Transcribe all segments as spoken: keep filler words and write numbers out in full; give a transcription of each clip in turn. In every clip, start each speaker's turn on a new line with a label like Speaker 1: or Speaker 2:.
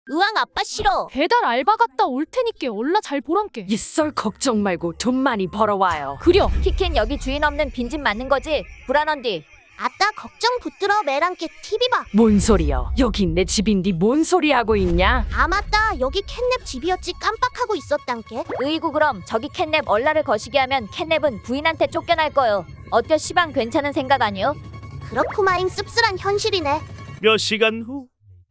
Speaker 1: 으앙 아빠 싫어.
Speaker 2: 배달 알바 갔다 올 테니께 얼라 잘 보란께.
Speaker 3: 이썰 걱정 말고 돈 많이 벌어와요.
Speaker 2: 그려.
Speaker 1: 키킨 여기 주인 없는 빈집 맞는 거지? 불안한디. 아따 걱정 붙들어 매랑께 티비 봐.
Speaker 3: 뭔 소리여? 여긴 내 집인디 뭔 소리 하고 있냐?
Speaker 1: 아 맞다 여기 캣냅 집이었지 깜빡하고 있었단께. 으이구 그럼 저기 캣냅 얼라를 거시게 하면 캣냅은 부인한테 쫓겨날 거요. 어때 시방 괜찮은 생각 아니요? 그렇구마잉 씁쓸한 현실이네.
Speaker 4: 몇 시간 후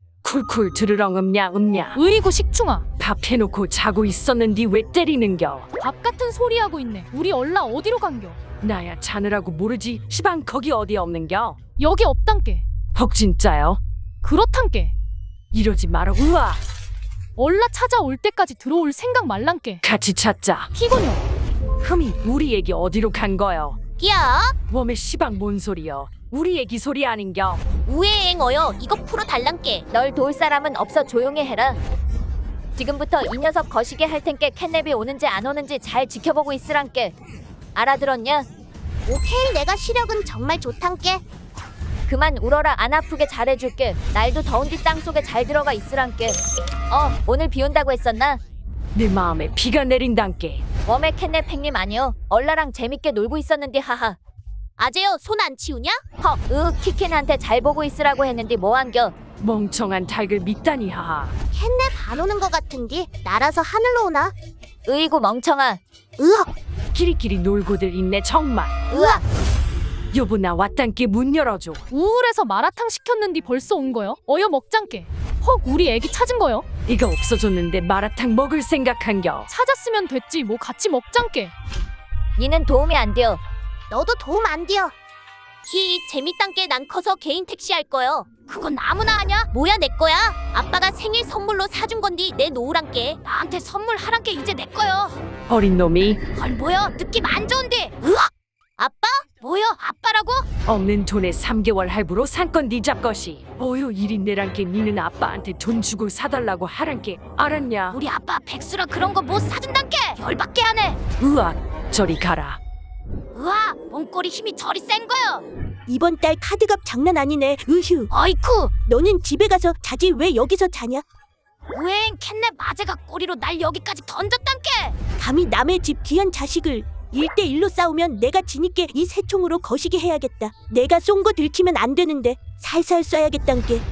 Speaker 3: 쿨쿨 들으렁 음냐 음냐.
Speaker 2: 으이구 식충아.
Speaker 3: 밥 해놓고 자고 있었는디 왜 때리는겨?
Speaker 2: 밥 같은 소리 하고 있네. 우리 얼라 어디로 간겨?
Speaker 3: 나야 자느라고 모르지. 시방 거기 어디 없는겨?
Speaker 2: 여기 없단께.
Speaker 3: 헉 진짜요?
Speaker 2: 그렇단께.
Speaker 3: 이러지 마라. 우와.
Speaker 2: 얼라 찾아올 때까지 들어올 생각 말란께.
Speaker 3: 같이 찾자.
Speaker 2: 피곤여.
Speaker 3: 흠이 우리 애기 어디로 간 거요?
Speaker 1: 야
Speaker 3: 웜의 시방 뭔 소리여? 우리 애기 소리 아닌겨?
Speaker 1: 우에행 어여 이거 풀어 달란께. 널 도울 사람은 없어 조용히 해라. 지금부터 이 녀석 거시게 할 텐께 캣냅이 오는지 안 오는지 잘 지켜보고 있으란께. 알아들었냐? 오케이 내가 시력은 정말 좋단께. 그만 울어라 안 아프게 잘해줄게. 날도 더운디 땅속에 잘 들어가 있으란께. 어 오늘 비 온다고 했었나?
Speaker 3: 내 마음에 비가 내린단께.
Speaker 1: 웜의 캣냅 팽님 아니요. 얼라랑 재밌게 놀고 있었는데 하하. 아재요 손 안 치우냐? 헉, 으 키킨한테 잘 보고 있으라고 했는데 뭐한겨?
Speaker 3: 멍청한 닭을 믿다니 하하.
Speaker 1: 캣냅 안 오는 거 같은디 날아서 하늘로 오나? 으이구 멍청아. 으악
Speaker 3: 끼리끼리 놀고들 있네 정말.
Speaker 1: 으악.
Speaker 3: 여보 나 왔단께 문 열어줘.
Speaker 2: 우울해서 마라탕 시켰는디 벌써 온 거요? 어여 먹장께. 헉 우리 애기 찾은 거요?
Speaker 3: 이거 없어졌는데 마라탕 먹을 생각한겨.
Speaker 2: 찾았으면 됐지 뭐 같이 먹장께.
Speaker 1: 니는 도움이 안 돼요. 너도 도움 안 돼요. 히 재밌단께 난 커서 개인 택시 할 거요. 그건 아무나 하냐? 뭐야 내 거야? 아빠가 생일 선물로 사준 건디 내 놓으란께. 나한테 선물하란께 이제 내 거요.
Speaker 3: 어린 놈이
Speaker 1: 헐 뭐야 느낌 안 좋은데. 으악! 아빠? 뭐야 아빠라고?
Speaker 3: 없는 돈에 삼 개월 할부로 산건 네 잡것이. 어휴 일인내란께 니는 아빠한테 돈 주고 사달라고 하란께. 알았냐?
Speaker 1: 우리 아빠 백수라 그런 거 못 사준단께. 열받게 하네.
Speaker 3: 으악 저리 가라.
Speaker 1: 우와 몸꼬리 힘이 저리 센 거요.
Speaker 5: 이번 달 카드값 장난 아니네. 으휴.
Speaker 1: 어이쿠
Speaker 5: 너는 집에 가서 자지 왜 여기서 자냐?
Speaker 1: 우행 캣냅 아재가 꼬리로 날 여기까지 던졌단께.
Speaker 5: 감히 남의 집 귀한 자식을 일대일로 싸우면 내가 지니께 이 새총으로 거시게 해야겠다. 내가 쏜 거 들키면 안 되는데 살살 쏴야겠단께.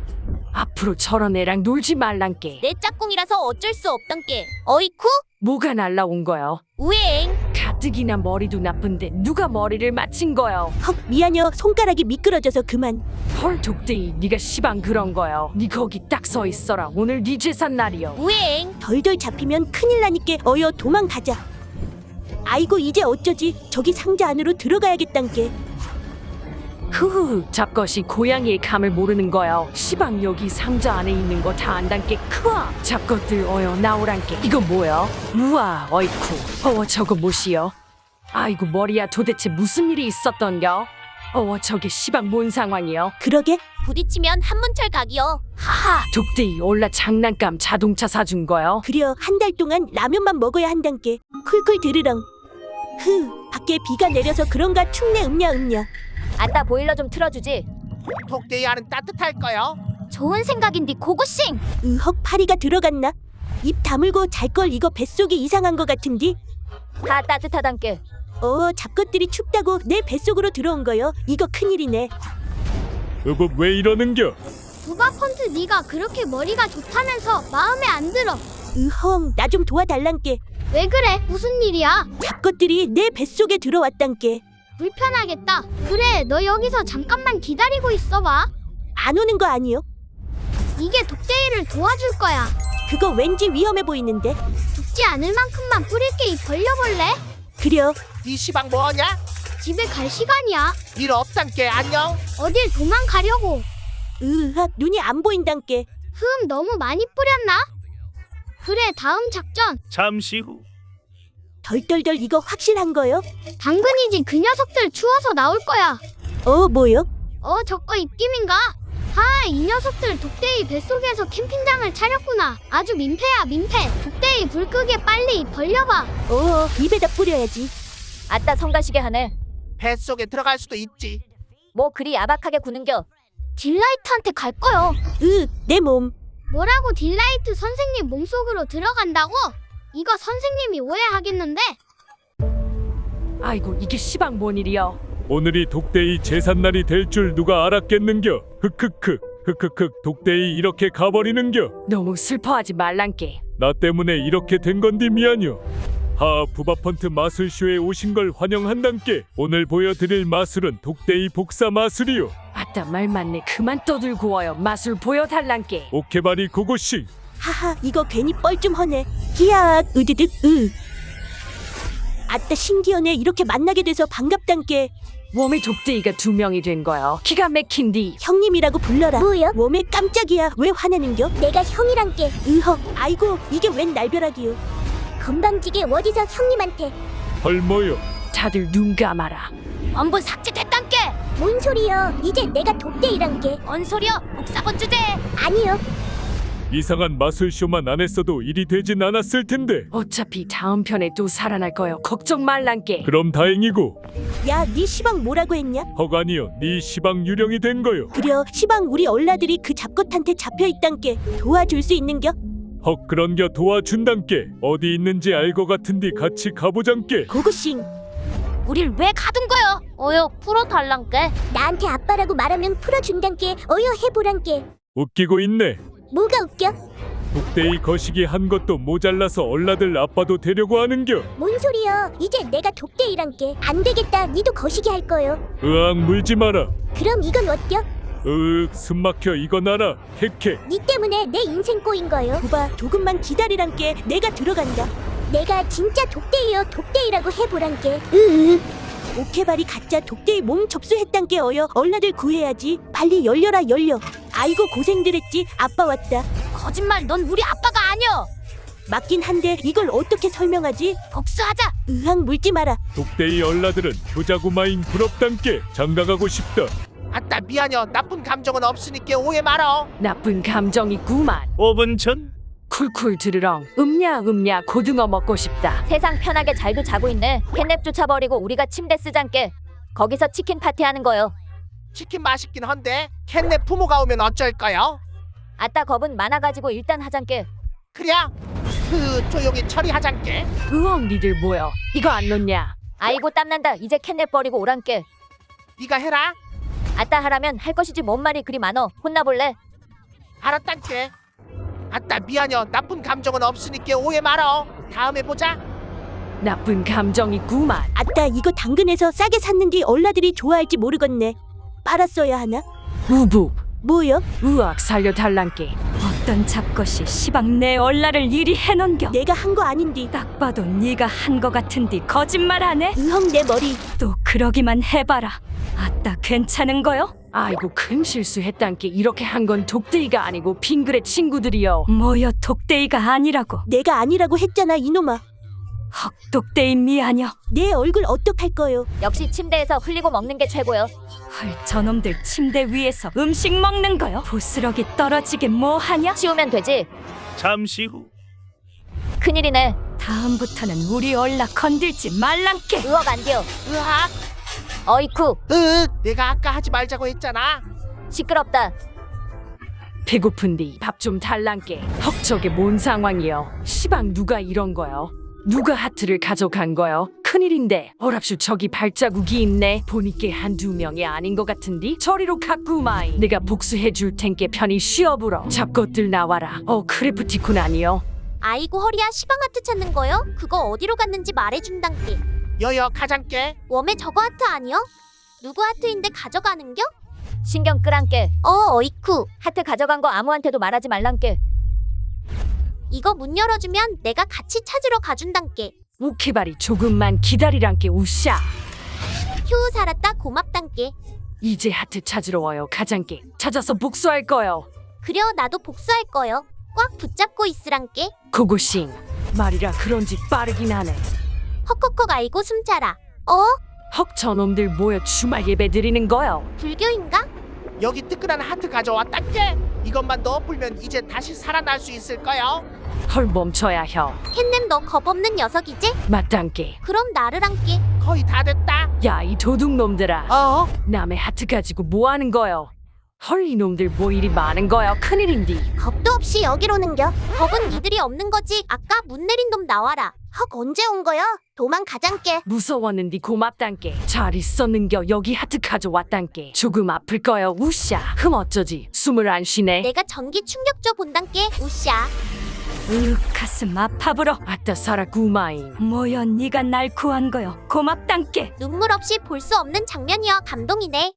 Speaker 3: 앞으로 저런 애랑 놀지 말란께.
Speaker 1: 내 짝꿍이라서 어쩔 수 없단께. 어이쿠
Speaker 3: 뭐가 날라온 거요?
Speaker 1: 우행.
Speaker 3: 가뜩이나 머리도 나쁜데 누가 머리를 맞힌 거요?
Speaker 5: 헉 미안여 손가락이 미끄러져서 그만.
Speaker 3: 헐 독대이 니가 시방 그런 거요. 니 거기 딱 서 있어라. 오늘 니 재산 날이요.
Speaker 1: 우행.
Speaker 5: 덜덜 잡히면 큰일 나니께 어여 도망가자. 아이고 이제 어쩌지? 저기 상자 안으로 들어가야겠단께.
Speaker 3: 흐흐 잡것이 고양이의 감을 모르는 거요. 시방 여기 상자 안에 있는 거 다 안단께. 크와 잡것들 어여 나오란께. 이거 뭐여? 우와 어이쿠 어워 저거 뭐시여? 아이고 머리야 도대체 무슨 일이 있었던겨? 어워 저게 시방 뭔 상황이여?
Speaker 5: 그러게
Speaker 1: 부딪히면 한문철 각이요. 하하.
Speaker 3: 독대이 올라 장난감 자동차 사준 거요?
Speaker 5: 그려 한 달 동안 라면만 먹어야 한단께. 쿨쿨 들으렁. 흐 밖에 비가 내려서 그런가 춥네. 음냐 음냐.
Speaker 1: 아따 보일러 좀 틀어주지.
Speaker 6: 독대야는 따뜻할 거요.
Speaker 1: 좋은 생각인데 고고싱.
Speaker 5: 으헉 파리가 들어갔나? 입 다물고 잘 걸. 이거 뱃속이 이상한 거 같은디.
Speaker 1: 다 따뜻하단께.
Speaker 5: 어 잡것들이 춥다고 내 뱃속으로 들어온 거요. 이거 큰일이네.
Speaker 4: 여보 왜 이러는겨?
Speaker 7: 누가 펀트 네가 그렇게 머리가 좋다면서 마음에 안 들어.
Speaker 5: 으헝 나 좀 도와달란께.
Speaker 7: 왜 그래? 무슨 일이야?
Speaker 5: 잡것들이 내 뱃속에 들어왔단께.
Speaker 7: 불편하겠다. 그래, 너 여기서 잠깐만 기다리고 있어봐.
Speaker 5: 안 오는 거 아니요?
Speaker 7: 이게 독대이를 도와줄 거야.
Speaker 5: 그거 왠지 위험해 보이는데.
Speaker 7: 죽지 않을 만큼만 뿌릴게. 이 벌려볼래?
Speaker 5: 그려
Speaker 6: 네 시방 뭐하냐?
Speaker 7: 집에 갈 시간이야.
Speaker 6: 일 없단께. 안녕.
Speaker 7: 어딜 도망가려고.
Speaker 5: 으악 눈이 안 보인단께.
Speaker 7: 흠, 너무 많이 뿌렸나? 그래, 다음 작전.
Speaker 4: 잠시 후
Speaker 5: 덜덜덜 이거 확실한 거요?
Speaker 7: 당근이지. 그 녀석들 추워서 나올 거야.
Speaker 5: 어 뭐요?
Speaker 7: 어, 저거 입김인가? 하, 이 녀석들 독대이 뱃속에서 캠핑장을 차렸구나. 아주 민폐야, 민폐. 독대이 불 끄게 빨리 벌려봐.
Speaker 5: 어 입에다 뿌려야지.
Speaker 1: 아따 성가시게 하네.
Speaker 6: 뱃속에 들어갈 수도 있지.
Speaker 1: 뭐 그리 야박하게 구는겨.
Speaker 7: 딜라이트한테 갈 거요.
Speaker 5: 으 내 몸.
Speaker 7: 뭐라고 딜라이트 선생님 몸속으로 들어간다고? 이거 선생님이 오해하겠는데?
Speaker 3: 아이고 이게 시방 뭔 일이여.
Speaker 4: 오늘이 독대이 제삿날이 될 줄 누가 알았겠는겨. 흑흑흑 흑흑흑 독대이 이렇게 가버리는겨.
Speaker 3: 너무 슬퍼하지 말란께.
Speaker 4: 나 때문에 이렇게 된 건디 미안요. 하 부바펀트 마술쇼에 오신 걸 환영한단께. 오늘 보여드릴 마술은 독대이 복사 마술이요.
Speaker 3: 아따 말 맞네. 그만 떠들고 와요. 마술 보여달란께.
Speaker 4: 오케바리 고고싱.
Speaker 5: 하하 이거 괜히 뻘쭘하네. 기악 으드득 으. 아따 신기하네. 이렇게 만나게 돼서 반갑단께.
Speaker 3: 웜의 독대이가 두 명이 된 거요. 기가 막힌디.
Speaker 5: 형님이라고 불러라.
Speaker 8: 뭐요?
Speaker 5: 웜에 깜짝이야. 왜 화내는겨?
Speaker 8: 내가 형이란게.
Speaker 5: 으헉 아이고 이게 웬 날벼락이요.
Speaker 8: 건방지게 어디서 형님한테.
Speaker 4: 헐모요.
Speaker 3: 다들 눈 감아라.
Speaker 1: 원본 삭제됐단께.
Speaker 8: 뭔 소리여? 이제 내가 독대이란게.
Speaker 1: 뭔 소리여? 복사본 주제.
Speaker 8: 아니요.
Speaker 4: 이상한 마술쇼만 안 했어도 일이 되진 않았을 텐데.
Speaker 3: 어차피 다음 편에 또 살아날 거요. 걱정 말란께.
Speaker 4: 그럼 다행이고.
Speaker 5: 야 네 시방 뭐라고 했냐?
Speaker 4: 헉 아니요. 네 시방 유령이 된 거요.
Speaker 5: 그려 시방 우리 얼라들이 그 잡것한테 잡혀있단께. 도와줄 수 있는겨?
Speaker 4: 헉 그런겨 도와준단께. 어디 있는지 알 거 같은디 같이 가보잔께.
Speaker 5: 고고싱.
Speaker 1: 우릴 왜 가둔 거요? 어여 풀어달란께.
Speaker 8: 나한테 아빠라고 말하면 풀어준단게. 어여 해보란게.
Speaker 4: 웃기고 있네.
Speaker 8: 뭐가 웃겨?
Speaker 4: 독대이 거시기 한 것도 모자라서 얼라들 아빠도 되려고 하는겨.
Speaker 8: 뭔 소리여? 이제 내가 독대이란게. 안 되겠다. 니도 거시기 할 거요.
Speaker 4: 으악 물지 마라.
Speaker 8: 그럼 이건 어때요?
Speaker 4: 으윽 숨막혀 이건 알아. 헤케.
Speaker 8: 니 때문에 내 인생 꼬인 거요.
Speaker 5: 오바 조금만 기다리란께. 내가 들어간다.
Speaker 8: 내가 진짜 독대이여 독대이라고 해보란게. 으으.
Speaker 5: 오케바리 가짜 독대이 몸 접수했단께. 어여 얼라들 구해야지. 빨리 열려라 열려. 아이고 고생들 했지. 아빠 왔다.
Speaker 1: 거짓말. 넌 우리 아빠가 아니여.
Speaker 5: 맞긴 한데 이걸 어떻게 설명하지?
Speaker 1: 복수하자.
Speaker 5: 으악 물지 마라.
Speaker 4: 독대이 얼라들은 효자구마잉 부럽단께. 장가가고 싶다.
Speaker 6: 아따 미안여. 나쁜 감정은 없으니까 오해 말어.
Speaker 3: 나쁜 감정이 구만.
Speaker 4: 오 분 전.
Speaker 3: 쿨쿨 들으렁. 음냐 음냐 고등어 먹고 싶다.
Speaker 1: 세상 편하게 잘도 자고 있네. 캣냅 쫓아버리고 우리가 침대 쓰잔께. 거기서 치킨 파티하는 거요.
Speaker 6: 치킨 맛있긴 한데 캣넷 부모가 오면 어쩔까요?
Speaker 1: 아따 겁은 많아가지고 일단 하잔께.
Speaker 6: 그래 그 조용히 처리하잔께.
Speaker 3: 으엉 니들 뭐여. 이거 안 넣냐.
Speaker 1: 아이고 땀난다. 이제 캣냅 버리고 오란께.
Speaker 6: 네가 해라.
Speaker 1: 아따 하라면 할 것이지 뭔 말이 그리 많어. 혼나볼래?
Speaker 6: 알았단께. 아따 미안여. 나쁜 감정은 없으니까 오해 말어. 다음에 보자.
Speaker 3: 나쁜 감정이 구만.
Speaker 5: 아따 이거 당근에서 싸게 샀는지 얼라들이 좋아할지 모르겠네. 빨았어야 하나?
Speaker 3: 우부.
Speaker 5: 뭐요?
Speaker 3: 으악 살려달란께. 어떤 잡것이 시방 내 얼라를 이리 해넘겨.
Speaker 5: 내가 한 거 아닌디.
Speaker 3: 딱 봐도 네가 한 거 같은디 거짓말하네.
Speaker 5: 으헉 내 머리.
Speaker 3: 또 그러기만 해봐라. 아따 괜찮은 거요? 아이고 큰 실수했단께. 이렇게 한 건 독대이가 아니고 빙그레 친구들이여. 뭐여 독대이가 아니라고.
Speaker 5: 내가 아니라고 했잖아 이놈아.
Speaker 3: 헉 독대이 미아녀.
Speaker 5: 내 얼굴 어떡할 거요?
Speaker 1: 역시 침대에서 흘리고 먹는 게 최고요.
Speaker 3: 헐 저놈들 침대 위에서 음식 먹는 거요? 부스러기 떨어지게 뭐하냐?
Speaker 1: 치우면 되지.
Speaker 4: 잠시 후.
Speaker 1: 큰일이네.
Speaker 3: 다음부터는 우리 얼라 건들지 말란께.
Speaker 1: 으억 안 돼요.
Speaker 6: 으악.
Speaker 1: 어이쿠
Speaker 6: 으 내가 아까 하지 말자고 했잖아.
Speaker 1: 시끄럽다.
Speaker 3: 배고픈디 밥 좀 달란께. 헉 저게 뭔 상황이여. 시방 누가 이런 거요? 누가 하트를 가져간 거요? 큰일인데. 어랍쇼 저기 발자국이 있네. 보니께 한두 명이 아닌 것 같은디. 저리로 갖고 마이. 내가 복수해 줄 텐께 편히 쉬어불어. 잡것들 나와라. 어 크래프티콘 아니요?
Speaker 8: 아이고 허리야 시방 하트 찾는 거요? 그거 어디로 갔는지 말해준단게.
Speaker 6: 여여 가잔께.
Speaker 8: 웜에 저거 하트 아니요? 누구 하트인데 가져가는겨?
Speaker 1: 신경 끄란께.
Speaker 8: 어 어이쿠.
Speaker 1: 하트 가져간 거 아무한테도 말하지 말란께.
Speaker 8: 이거 문 열어주면 내가 같이 찾으러 가준단게.
Speaker 3: 오케바리 조금만 기다리란께 우샤.
Speaker 8: 휴 살았다 고맙단게.
Speaker 3: 이제 하트 찾으러 와요 가장께. 찾아서 복수할 거요.
Speaker 8: 그려 나도 복수할 거요. 꽉 붙잡고 있으란게.
Speaker 3: 고고싱. 말이라 그런지 빠르긴 하네.
Speaker 8: 헉헉헉 알고 숨자라. 어?
Speaker 3: 헉 저놈들 모여 주말 예배 드리는 거요.
Speaker 8: 불교인가?
Speaker 6: 여기 뜨끈한 하트 가져왔단께. 이것만 넣어불면 이제 다시 살아날 수 있을 거요.
Speaker 3: 헐 멈춰야 혀.
Speaker 8: 캣넴 너 겁없는 녀석이지?
Speaker 3: 맞단께.
Speaker 8: 그럼 나를 함께.
Speaker 6: 거의 다 됐다.
Speaker 3: 야 이 도둑놈들아.
Speaker 6: 어?
Speaker 3: 남의 하트 가지고 뭐 하는 거요? 헐 이놈들 뭐 일이 많은 거야. 큰일인디.
Speaker 8: 겁도 없이 여기로 는겨. 겁은 니들이 없는 거지. 아까 문 내린 놈 나와라. 헉 언제 온 거야? 도망가장께.
Speaker 3: 무서웠는디 고맙단께. 잘 있었는겨. 여기 하트 가져왔단께. 조금 아플 거요. 우샤. 흠 어쩌지. 숨을 안 쉬네.
Speaker 8: 내가 전기 충격 줘 본단께. 우샤.
Speaker 9: 으 가슴 아파불어.
Speaker 3: 아따 살아 구마인.
Speaker 9: 뭐여 네가 날 구한 거여. 고맙단께.
Speaker 8: 눈물 없이 볼 수 없는 장면이여 감동이네.